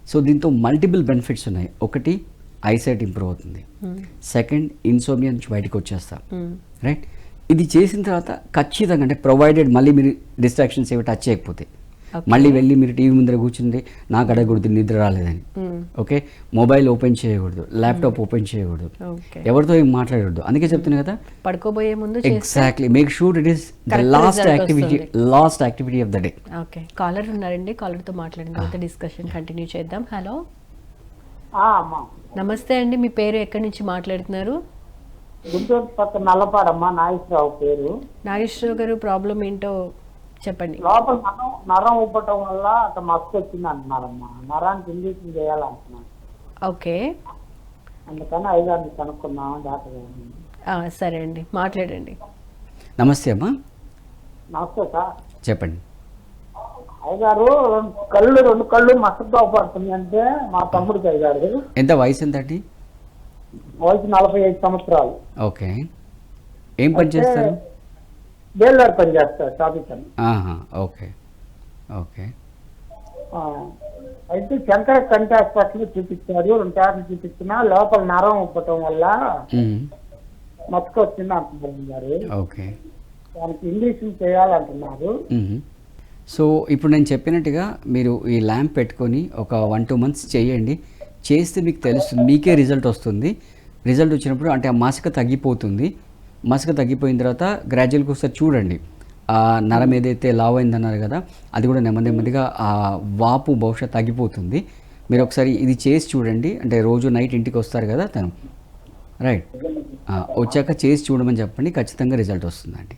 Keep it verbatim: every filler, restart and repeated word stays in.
So దీంతో multiple benefits ఉన్నాయి. ఒకటి ఐసైట్ ఇంప్రూవ్ అవుతుంది, సెకండ్ ఇన్సోమియా నుంచి బయటకు వచ్చేస్తాం, రైట్. ఇది చేసిన తర్వాత ఖచ్చితంగా అంటే ప్రొవైడెడ్ మళ్ళీ మీరు డిస్ట్రాక్షన్స్ ఏవి టచ్ చేయకపోతే, మళ్ళీ వెళ్ళి మీరు టీవీ ముందర కూర్చుంటే నాకు అడగకూడదు నిద్ర రాలేదని, ఓకే, మొబైల్ ఓపెన్ చేయకూడదు, ల్యాప్టాప్ ఓపెన్ చేయకూడదు, ఎవరితో ఏం మాట్లాడకూడదు. అందుకే చెప్తున్నా కదా పడుకోబోయే ముందు exactly make sure it is the last activity last activity of the day. Okay, caller ఉన్నారండి, కాలర్తో మాట్లాడిన తర్వాత డిస్కషన్ కంటిన్యూ చేద్దాం. హలో, నమస్తే అండి, మీ పేరు ఎక్కడి నుంచి మాట్లాడుతున్నారు? గుంటూరు పక్క నల్లపాడమ్మా, నాగేశ్వరరావు పేరు. నాగేశ్వరరావు గారు, ప్రాబ్లం ఏంటో చెప్పండి. లోపల నరం నరం ఉబ్బటం వల్ల అట్లా మస్తు వచ్చింది అంటున్నారమ్మా. నరానికి ఇంజక్షన్ చేయాలంటున్నారు. ఓకే, అందుకని ఐదారు కనుక్కున్నాం డాక్టర్ గారు. సరే అండి, మాట్లాడండి. నమస్తే అమ్మా. నమస్తే సార్. చెప్పండి. అయ్యగారు, రెండు కళ్ళు రెండు కళ్ళు మస్తు పడుతుంది అంటే మా తమ్ముడికి అయ్యగారు. ఎంత వయసు ఎంత అండి? వయసు నలభై ఐదు సంవత్సరాలు. ఓకే, ఏం పని చేస్తారు? బేల్దార్ పని చేస్తారు, ట్రాఫిక్ అని. Okay okay. అయితే శంకర కంటి హాస్పిటల్ చూపించారు, రెండు సార్లు చూపించినా లోపల నరం ఉబ్బటం వల్ల మచ్చకు వచ్చింది అంటున్నారు గారు. ఓకే, దానికి ఇంజక్షన్ చేయాలంటున్నారు. సో ఇప్పుడు నేను చెప్పినట్టుగా మీరు ఈ ల్యాంప్ పెట్టుకొని ఒక వన్ టూ మంత్స్ చేయండి. చేస్తే మీకు తెలుస్తుంది, మీకే రిజల్ట్ వస్తుంది. రిజల్ట్ వచ్చినప్పుడు అంటే ఆ మసక తగ్గిపోతుంది. మసక తగ్గిపోయిన తర్వాత గ్రాడ్యువల్గా ఒకసారి చూడండి, ఆ నరం ఏదైతే లావ్ అయిందన్నారు కదా, అది కూడా నెమ్మది నెమ్మదిగా ఆ వాపు బహుశా తగ్గిపోతుంది. మీరు ఒకసారి ఇది చేసి చూడండి. అంటే రోజు నైట్ ఇంటికి వస్తారు కదా తను, రైట్, వచ్చాక చేసి చూడమని చెప్పండి, ఖచ్చితంగా రిజల్ట్ వస్తుందండి.